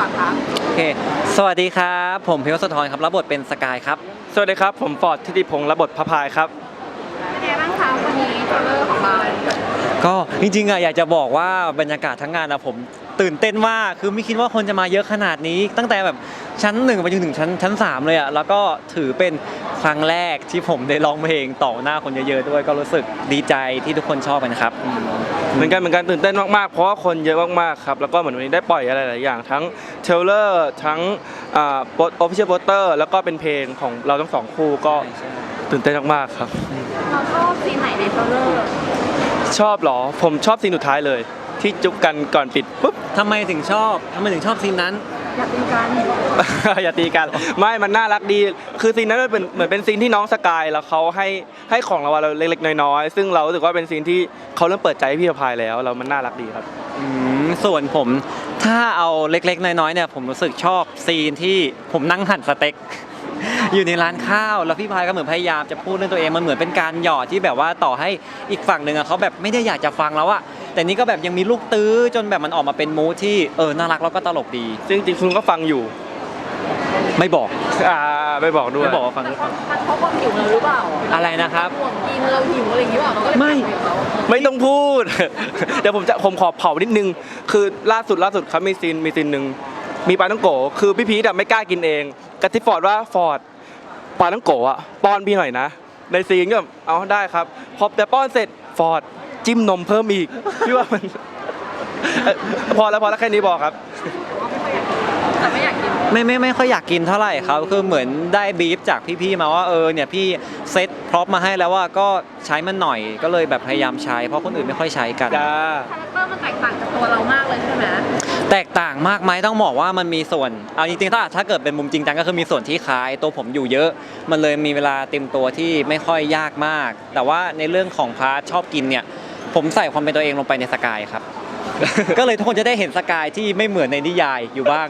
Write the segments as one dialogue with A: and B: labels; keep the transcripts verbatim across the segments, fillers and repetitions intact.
A: ก่อนครับ
B: โอเคสวัสดีครับผมพิวสะทรครับรับบทเป็นสกายครับ
C: สวัสดีครับผมฟอร์ดทิติพงศ์รับบทพระพายครับ
A: เป็นไงบ้างคะวันนี้เทรลเลอร์ของเรา
B: ก็จริงๆอ่ะอยากจะบอกว่าบรรยากาศทั้งงานอะผมตื่นเต้นมากคือไม่คิดว่าคนจะมาเยอะขนาดนี้ตั้งแต่แบบชั้นหนึ่งไปจนถึงชั้นชั้นสามเลยอะแล้วก็ถือเป็นครั้งแรกที่ผมได้ร้องเพลงต่อหน้าคนเยอะๆด้วยก็รู้สึกดีใจที่ทุกคนชอบกันนะครับ
C: เหมือนกันเหมือนกันตื่นเต้นมากๆเพราะว่าคนเยอะมากๆครับแล้วก็เหมือนวันนี้ได้ปล่อยอะไรหลายอย่างทั้งเทรลเลอร์ทั้งอ่าโปสออฟฟิเชียลโปสเตอร์แล้วก็เป็นเพลงของเราทั้งสองคู่ก็ตื่นเต้นมากๆครับ
A: เราชอบซีนไหนในเทรลเลอร์
C: ชอบเหรอผมชอบซีนสุดท้ายเลยที่จุ๊บกันก่อนปิดปุ๊บ
B: ทำไมถึงชอบทำไมถึงชอบซีนนั้น
A: อยากตีกัน
C: อย่าตีกันไม่มันน่ารักดีคือซีนนั้นมันเป็นเหมือนเป็นซีนที่น้องสกายแล้วเขาให้ให้ของรางวัลเราเล็กๆน้อยๆซึ่งเรารู้สึกว่าเป็นซีนที่เขาเริ่มเปิดใจให้พี่พายแล้วแล้วมันน่ารักดีครับ
B: อืมส่วนผมถ้าเอาเล็กๆน้อยๆเนี่ยผมรู้สึกชอบซีนที่ผมนั่งหั่นสเต็กอยู่ในร้านข้าวแล้วพี่พายก็เหมือนพยายามจะพูดเรื่องตัวเองมันเหมือนเป็นการหยอดที่แบบว่าต่อให้อีกฝั่งหนึ่งอะเขาแบบไม่ได้อยากจะฟังแล้วอะแต่นี่ก็แบบยังมีลูกตื้อจนแบบมันออกมาเป็นมูทที่เออน่ารักแล้วก็ตลกดี
C: ซึ่งจริงๆคุณก็ฟังอยู่
B: ไม่บอก
C: อ่าไม่บอกด้วย
B: ไม่บอกว่าฟัง
A: มันเพราะความหิวเราหรือเปล่า
B: อะไรนะครับ
A: ห่วงกินเราหิวอะไรอย่างนี้เปล่าเราก็เลย
B: ไม่
C: ไม่ต้องพูดเดี๋ยวผมจะผมขอเผานิดนึงคือล่าสุดล่าสุดครับมีซีนมีซีนหนึ่งมีปลาต้องโกคือพี่พีทไม่กล้ากินเองกระทิฟอร์ดว่าฟอร์ดปลาต้องโกะป้อนพี่หน่อยนะในซีนก็แบบเอาได้ครับพอแต่ป้อนเสร็จฟอร์ดจิ้มนมเพิ่มอีกพี่ว่ามันพอแล้วพอแล้วแค่นี้บอกครับ
A: แต่ไม่อยากกิน
B: ไม่ไม่ไม่ค่อยอยากกินเท่าไหร่ครับคือเหมือนได้บีฟจากพี่ๆมาว่าเออเนี่ยพี่เซตพร็อพมาให้แล้วว่าก็ใช้มันหน่อยก็เลยแบบพยายามใช้เพราะคนอื่นไม่ค่อยใช้กัน
C: จ้า
A: คาแรคเตอร์มันแตกต่างจากตัวเรามากเลยใช่ไหม
B: แตกต่างมากไหมต้องบอกว่ามันมีส่วนเอาจริงๆถ้าถ้าเกิดเป็นมุมจริงจังก็คือมีส่วนที่คล้ายตัวผมอยู่เยอะมันเลยมีเวลาเต็มตัวที่ไม่ค่อยยากมากแต่ว่าในเรื่องของพาร์ทชอบกินเนี่ยผมใส่ความเป็นตัวเองลงไปในสกายครับ ก็เลยทุกคนจะได้เห็นสกายที่ไม่เหมือนในนิยายอยู่บ้าง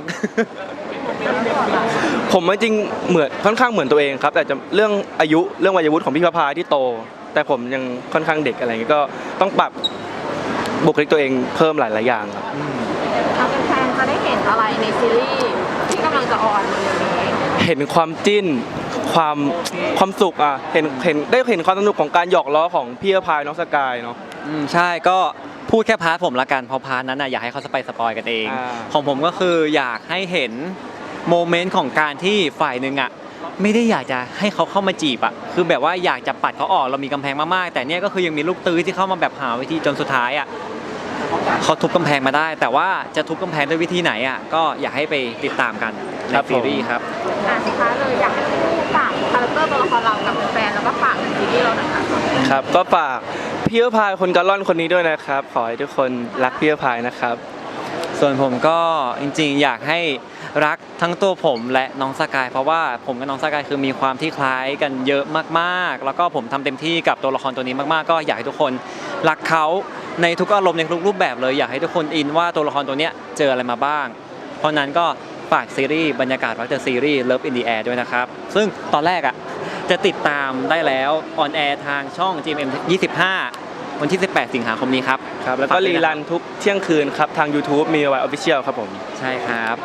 C: ผมจริงเหมือนค่อนข้างเหมือนตัวเองครับแต่จะเรื่องอายุเรื่องวัยวุฒิของพี่พระพายที่โตแต่ผมยังค่อนข้างเด็กอะไรเงี้ยก็ต้องปรับบุคลิกตัวเองเพิ่มหลายๆอย่างครับ
A: เราเป็นแฟนจะได้เห็นอะไรในซีรีส์ที่กำลังจะออนเร็วนี้
C: เห็นความจิ้นความความสุขอ่ะเห็นเห็นได้เห็นความสนุกของการหยอกล้อของพี่พระพายน้องสกายเนาะ
B: อืมใช่ก็พูดแค่พาร์ทผมละกันเพราะพาร์ทนั้นน่ะอยากให้เขาสไปสปอยกันเองของผมก็คืออยากให้เห็นโมเมนต์ของการที่ฝ่ายหนึ่งอ่ะไม่ได้อยากจะให้เขาเข้ามาจีบอ่ะคือแบบว่าอยากจะปัดเขาออกเรามีกำแพงมากๆแต่เนี่ยก็คือยังมีลูกตื้อที่เข้ามาแบบหาวิธีจนสุดท้ายอ่ะเขาทุบกำแพงมาได้แต่ว่าจะทุบกำแพงด้วยวิธีไหนอ่ะก็อยากให้ไปติดตามกันในซีรีส์ครับ
A: อ่ะสุดท้ายเลยอยากให้ผู้ฝากคาแรคเตอร์ตัวละครเรากับแฟนแล้วก็ฝากในซีรีส์เราหน่อยครับ
C: ครับก็ฝากพี่พายคนกาล่อนคนนี้ด้วยนะครับขอให้ทุกคนรักพี่พายนะครับ
B: ส่วนผมก็จริงๆอยากให้รักทั้งตัวผมและน้องสกายเพราะว่าผมกับน้องสกายคือมีความที่คล้ายกันเยอะมากๆแล้วก็ผมทำเต็มที่กับตัวละครตัวนี้มากๆก็อยากให้ทุกคนรักเขาในทุกอารมณ์ในทุกรูปแบบเลยอยากให้ทุกคนอินว่าตัวละครตัวนี้เจออะไรมาบ้างเพราะนั้นก็ฝากซีรีส์บรรยากาศรักเดอะซีรีส์ Love in the Air ด้วยนะครับซึ่งตอนแรกอ่ะจะติดตามได้แล้วออนแอร์ทางช่อง จี เอ็ม เอ็ม ยี่สิบห้าวันที่สิบแปดสิงหาคมนี้ครับ
C: ครับแล้วก็รีรันทุกเที่ยงคืนครับทาง YouTube มีไว้ Official ครับผม
B: ใช่ครับ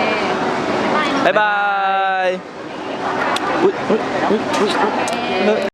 C: บ๊ายบาย